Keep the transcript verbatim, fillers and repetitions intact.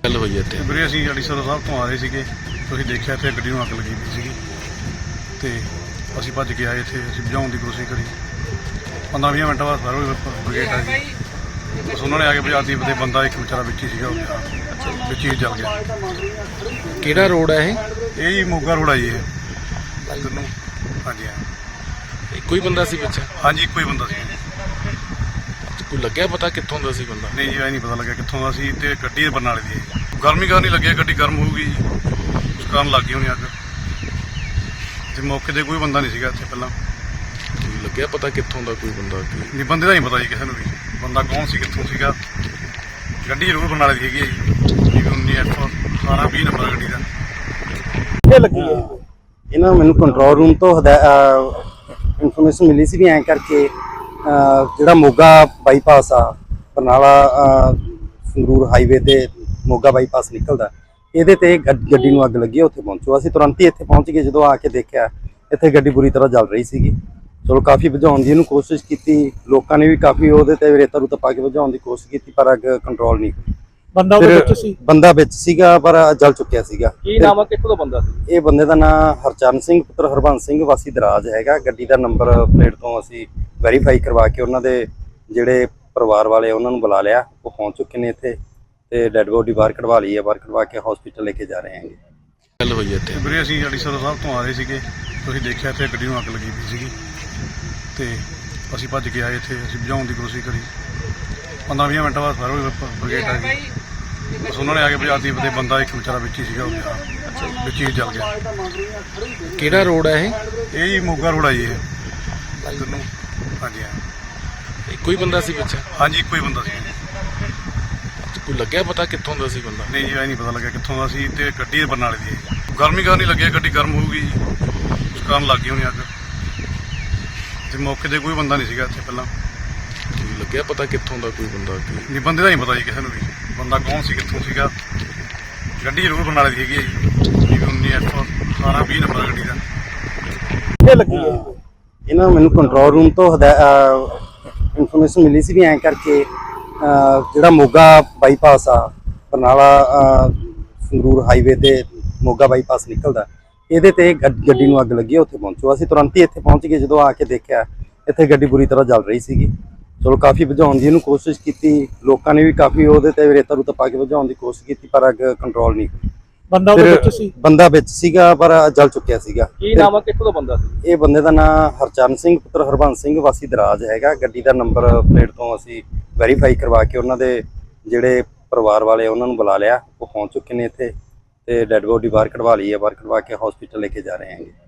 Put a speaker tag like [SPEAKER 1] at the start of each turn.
[SPEAKER 1] ਗੱਲ ਹੋਈ ਹੈ ਇੱਥੇ
[SPEAKER 2] ਵੀਰੇ ਅਸੀਂ ਅੜੀਸਰ ਸਾਹਿਬ ਤੋਂ ਆ ਰਹੇ ਸੀਗੇ। ਤੁਸੀਂ ਦੇਖਿਆ ਇੱਥੇ ਗੱਡੀ ਨੂੰ ਅੱਗ ਲੱਗੀ ਪਈ ਸੀਗੀ ਤੇ ਅਸੀਂ ਭੱਜ ਕੇ ਆਏ। ਇੱਥੇ ਅਸੀਂ ਬੁਝਾਉਣ ਦੀ ਕੋਸ਼ਿਸ਼ ਕਰੀ। ਪੰਦਰਾਂ ਵੀਹ ਮਿੰਟਾਂ ਬਾਅਦ ਫਾਇਰ ਬ੍ਰਿਗੇਡ ਆ ਗਈ। ਬਸ ਉਹਨਾਂ ਨੇ ਆ ਕੇ ਬੁਝਾਤੀ ਤੇ ਬੰਦਾ ਇੱਕ ਵਿਚਾਰਾ ਵਿੱਚ ਹੀ ਸੀਗਾ, ਉਹ ਵਿੱਚ ਹੀ ਜਲ ਗਿਆ।
[SPEAKER 1] ਕਿਹੜਾ ਰੋਡ ਹੈ ਇਹ?
[SPEAKER 2] ਇਹ ਜੀ ਮੋਗਾ ਰੋਡ ਆ ਜੀ ਇਹ ਇੱਧਰ ਨੂੰ। ਹਾਂਜੀ ਹਾਂ,
[SPEAKER 1] ਇੱਕੋ ਹੀ ਬੰਦਾ ਸੀ ਪਿੱਛੇ?
[SPEAKER 2] ਹਾਂਜੀ ਇੱਕੋ ਹੀ ਬੰਦਾ ਸੀ।
[SPEAKER 1] ਕੋਈ ਲੱਗਿਆ ਪਤਾ ਕਿੱਥੋਂ ਦਾ ਸੀ ਬੰਦਾ?
[SPEAKER 2] ਨਹੀਂ ਜੀ, ਇਹ ਨਹੀਂ ਪਤਾ ਲੱਗਿਆ ਕਿੱਥੋਂ ਦਾ ਸੀ। ਤੇ ਗੱਡੀ ਬਰਨਾਲੇ ਦੀ ਹੈ। ਗਰਮੀ ਕਾਰਨ ਨਹੀਂ ਲੱਗਿਆ, ਗੱਡੀ ਗਰਮ ਹੋਊਗੀ ਉਸ ਕਾਰਨ ਲੱਗ ਗਈ ਹੋਣੀ ਅੱਗ। ਤੇ ਮੌਕੇ ਤੇ ਕੋਈ ਬੰਦਾ ਨਹੀਂ ਸੀਗਾ ਇੱਥੇ ਪਹਿਲਾਂ।
[SPEAKER 1] ਕੋਈ ਲੱਗਿਆ ਪਤਾ ਕਿੱਥੋਂ ਦਾ ਕੋਈ ਬੰਦਾ?
[SPEAKER 2] ਨਹੀਂ, ਬੰਦੇ ਦਾ ਨਹੀਂ ਪਤਾ ਜੀ ਕਿਸੇ ਨੂੰ ਵੀ, ਬੰਦਾ ਕੌਣ ਸੀ ਕਿੱਥੋਂ ਸੀਗਾ। ਗੱਡੀ ਜ਼ਰੂਰ ਬਰਨਾਲੇ ਦੀ ਹੈਗੀ ਹੈ ਜੀ, ਉੱਨੀ ਐਫ ਅਠਾਰਾਂ ਵੀਹ ਨੰਬਰ ਗੱਡੀ ਦਾ।
[SPEAKER 3] ਇਹ ਲੱਗੀ ਹੈ ਇਹਨਾਂ ਮੈਨੂੰ ਕੰਟਰੋਲ ਰੂਮ ਤੋਂ ਇਨਫੋਰਮੇਸ਼ਨ ਮਿਲੀ ਸੀ ਵੀ ਐਂ ਕਰਕੇ ਜਿਹੜਾ ਮੋਗਾ ਬਾਈਪਾਸ ਆ ਬਰਨਾਲਾ ਸੰਗਰੂਰ ਹਾਈਵੇ ਤੇ ਮੋਗਾ ਬਾਈਪਾਸ ਨਿਕਲਦਾ, ਇਹਦੇ ਤੇ ਗੱਡੀ ਨੂੰ ਅੱਗ ਲੱਗੀ। ਉੱਥੇ ਪਹੁੰਚੋ। ਅਸੀਂ ਤੁਰੰਤ ਹੀ ਇੱਥੇ ਪਹੁੰਚ ਗਏ। ਜਦੋਂ ਆ ਕੇ ਦੇਖਿਆ ਇੱਥੇ ਗੱਡੀ ਬੁਰੀ ਤਰ੍ਹਾਂ ਜਲ ਰਹੀ ਸੀਗੀ। ਚਲੋ ਕਾਫੀ ਬੁਝਾਉਣ ਦੀ ਇਹਨੂੰ ਕੋਸ਼ਿਸ਼ ਕੀਤੀ, ਲੋਕਾਂ ਨੇ ਵੀ ਕਾਫੀ ਉਹਦੇ ਤੇ ਰੇਤਾ ਰੂਤਾ ਪਾ ਕੇ ਬੁਝਾਉਣ ਦੀ ਕੋਸ਼ਿਸ਼ ਕੀਤੀ, ਪਰ ਅੱਗ ਕੰਟਰੋਲ ਨਹੀਂ ਹੋਈ।
[SPEAKER 4] ਬੰਦਾ ਉਹਦੇ ਵਿੱਚ ਸੀ?
[SPEAKER 3] ਬੰਦਾ ਵਿੱਚ ਸੀਗਾ ਪਰ ਜਲ ਚੁੱਕਿਆ ਸੀਗਾ।
[SPEAKER 4] ਕੀ ਨਾਮ ਆ, ਕਿੱਥੋਂ ਦਾ ਬੰਦਾ ਸੀ?
[SPEAKER 3] ਇਹ ਬੰਦੇ ਦਾ ਨਾਮ ਹਰਚਰਨ ਸਿੰਘ ਪੁੱਤਰ ਹਰਬੰਸ ਸਿੰਘ ਵਾਸੀ ਦਰਾਜ ਹੈਗਾ। ਗੱਡੀ ਦਾ ਨੰਬਰ ਪਲੇਟ ਤੋਂ ਅਸੀਂ ਵੈਰੀਫਾਈ ਕਰਵਾ ਕੇ ਉਹਨਾਂ ਦੇ ਜਿਹੜੇ ਪਰਿਵਾਰ ਵਾਲੇ ਉਹਨਾਂ ਨੂੰ ਬੁਲਾ ਲਿਆ। ਉਹ ਪਹੁੰਚ ਚੁੱਕੇ ਨੇ ਇੱਥੇ ਤੇ ਡੈੱਡ ਬੋਡੀ ਬਾਹਰ ਕਢਵਾ ਲਈ ਹੈ। ਬਾਹਰ ਕਢਵਾ ਕੇ ਹਸਪੀਟਲ ਲੈ ਕੇ ਜਾ ਰਹੇ ਹੈਗੇ।
[SPEAKER 1] ਗੱਲ ਹੋਈ ਹੈ ਇੱਥੇ
[SPEAKER 2] ਵੀਰੇ ਅਸੀਂ ਅੜੀਸਰ ਸਾਹਿਬ ਤੋਂ ਆ ਰਹੇ ਸੀਗੇ। ਤੁਸੀਂ ਦੇਖਿਆ ਇੱਥੇ ਗੱਡੀ ਨੂੰ ਅੱਗ ਲੱਗੀ ਪਈ ਸੀਗੀ ਤੇ ਅਸੀਂ ਭੱਜ ਕੇ ਆਏ। ਇੱਥੇ ਅਸੀਂ ਬੁਝਾਉਣ ਦੀ ਕੋਸ਼ਿਸ਼ ਕਰੀ। ਪੰਦਰਾਂ ਵੀਹ ਮਿੰਟਾਂ ਬਾਅਦ ਫਾਇਰ ਬ੍ਰਿਗੇਡ ਆ ਗਈ। ਬਸ ਉਹਨਾਂ ਨੇ ਆ ਕੇ ਬੁਝਾਤੀ ਤੇ ਬੰਦਾ ਇੱਕ ਵਿਚਾਰਾ ਵਿੱਚ ਹੀ ਸੀਗਾ, ਉਹ ਵਿੱਚ ਹੀ ਜਲ ਗਿਆ।
[SPEAKER 1] ਕਿਹੜਾ ਰੋਡ ਹੈ ਇਹ?
[SPEAKER 2] ਇਹ ਜੀ ਮੋਗਾ ਰੋਡ ਆ ਜੀ ਇਹ ਇੱਧਰ ਨੂੰ। ਹਾਂਜੀ ਹਾਂ,
[SPEAKER 1] ਇੱਕੋ ਹੀ ਬੰਦਾ ਸੀ ਪਿੱਛੇ?
[SPEAKER 2] ਹਾਂਜੀ ਇੱਕੋ ਹੀ ਬੰਦਾ ਸੀ।
[SPEAKER 1] ਕੋਈ ਲੱਗਿਆ ਪਤਾ ਕਿੱਥੋਂ ਦਾ ਸੀ ਬੰਦਾ?
[SPEAKER 2] ਨਹੀਂ ਜੀ, ਇਹ ਨਹੀਂ ਪਤਾ ਲੱਗਿਆ ਕਿੱਥੋਂ ਦਾ ਸੀ। ਤੇ ਗੱਡੀ ਬਰਨਾਲੇ ਦੀ ਹੈ। ਗਰਮੀ ਕਾਰਨ ਨਹੀਂ ਲੱਗਿਆ, ਗੱਡੀ ਗਰਮ ਹੋਊਗੀ ਉਸ ਕਾਰਨ ਲੱਗ ਗਈ ਹੋਣੀ ਅੱਗ। ਤੇ ਮੌਕੇ ਤੇ ਕੋਈ ਬੰਦਾ ਨਹੀਂ ਸੀਗਾ ਇੱਥੇ ਪਹਿਲਾਂ।
[SPEAKER 1] ਕੋਈ ਲੱਗਿਆ ਪਤਾ ਕਿੱਥੋਂ ਦਾ ਕੋਈ ਬੰਦਾ?
[SPEAKER 2] ਨਹੀਂ, ਬੰਦੇ ਦਾ ਨਹੀਂ ਪਤਾ ਜੀ ਕਿਸੇ ਨੂੰ ਵੀ, ਬੰਦਾ ਕੌਣ ਸੀ ਕਿੱਥੋਂ ਸੀਗਾ। ਗੱਡੀ ਜ਼ਰੂਰ ਬਰਨਾਲੇ ਦੀ ਹੈਗੀ ਹੈ ਜੀ, ਉੱਨੀ ਐਫ ਅਠਾਰਾਂ ਵੀਹ ਨੰਬਰ ਗੱਡੀ ਦਾ।
[SPEAKER 3] ਇਹ ਲੱਗੀ ਹੈ ਇਹਨਾਂ ਮੈਨੂੰ ਕੰਟਰੋਲ ਰੂਮ ਤੋਂ ਇਨਫੋਰਮੇਸ਼ਨ ਮਿਲੀ ਸੀ ਵੀ ਐਂ ਕਰਕੇ ਜਿਹੜਾ ਮੋਗਾ ਬਾਈਪਾਸ ਆ ਬਰਨਾਲਾ ਸੰਗਰੂਰ ਹਾਈਵੇ ਤੇ ਮੋਗਾ ਬਾਈਪਾਸ ਨਿਕਲਦਾ, ਇਹਦੇ ਤੇ ਗੱਡੀ ਨੂੰ ਅੱਗ ਲੱਗੀ। ਉੱਥੇ ਪਹੁੰਚੋ। ਅਸੀਂ ਤੁਰੰਤ ਹੀ ਇੱਥੇ ਪਹੁੰਚ ਗਏ। ਜਦੋਂ ਆ ਕੇ ਦੇਖਿਆ ਇੱਥੇ ਗੱਡੀ ਬੁਰੀ ਤਰ੍ਹਾਂ ਜਲ ਰਹੀ ਸੀਗੀ। ਚਲੋ ਕਾਫੀ ਬੁਝਾਉਣ ਦੀ ਇਹਨੂੰ ਕੋਸ਼ਿਸ਼ ਕੀਤੀ, ਲੋਕਾਂ ਨੇ ਵੀ ਕਾਫੀ ਉਹਦੇ ਤੇ ਰੇਤਾ ਰੂਤਾ ਪਾ ਕੇ ਬੁਝਾਉਣ ਦੀ ਕੋਸ਼ਿਸ਼ ਕੀਤੀ, ਪਰ ਅੱਗ ਕੰਟਰੋਲ ਨਹੀਂ ਹੋਈ।
[SPEAKER 4] ਬੰਦਾ ਉਹਦੇ ਵਿੱਚ ਸੀ?
[SPEAKER 3] ਬੰਦਾ ਵਿੱਚ ਸੀਗਾ ਪਰ ਜਲ ਚੁੱਕਿਆ ਸੀਗਾ।
[SPEAKER 4] ਕੀ ਨਾਮ ਆ, ਕਿੱਥੋਂ ਦਾ ਬੰਦਾ ਸੀ?
[SPEAKER 3] ਇਹ ਬੰਦੇ ਦਾ ਨਾਮ ਹਰਚਰਨ ਸਿੰਘ ਪੁੱਤਰ ਹਰਬੰਸ ਸਿੰਘ ਵਾਸੀ ਦਰਾਜ ਹੈਗਾ। ਗੱਡੀ ਦਾ ਨੰਬਰ ਪਲੇਟ ਤੋਂ ਅਸੀਂ ਵੈਰੀਫਾਈ ਕਰਵਾ ਕੇ ਉਹਨਾਂ ਦੇ ਜਿਹੜੇ ਪਰਿਵਾਰ ਵਾਲੇ ਉਹਨਾਂ ਨੂੰ ਬੁਲਾ ਲਿਆ। ਉਹ ਪਹੁੰਚ ਚੁੱਕੇ ਨੇ ਇੱਥੇ ਤੇ ਡੈੱਡ ਬੋਡੀ ਬਾਹਰ ਕਢਵਾ ਲਈ ਹੈ। ਬਾਹਰ ਕਢਵਾ ਕੇ ਹਸਪੀਟਲ ਲੈ ਕੇ ਜਾ ਰਹੇ ਹੈਗੇ।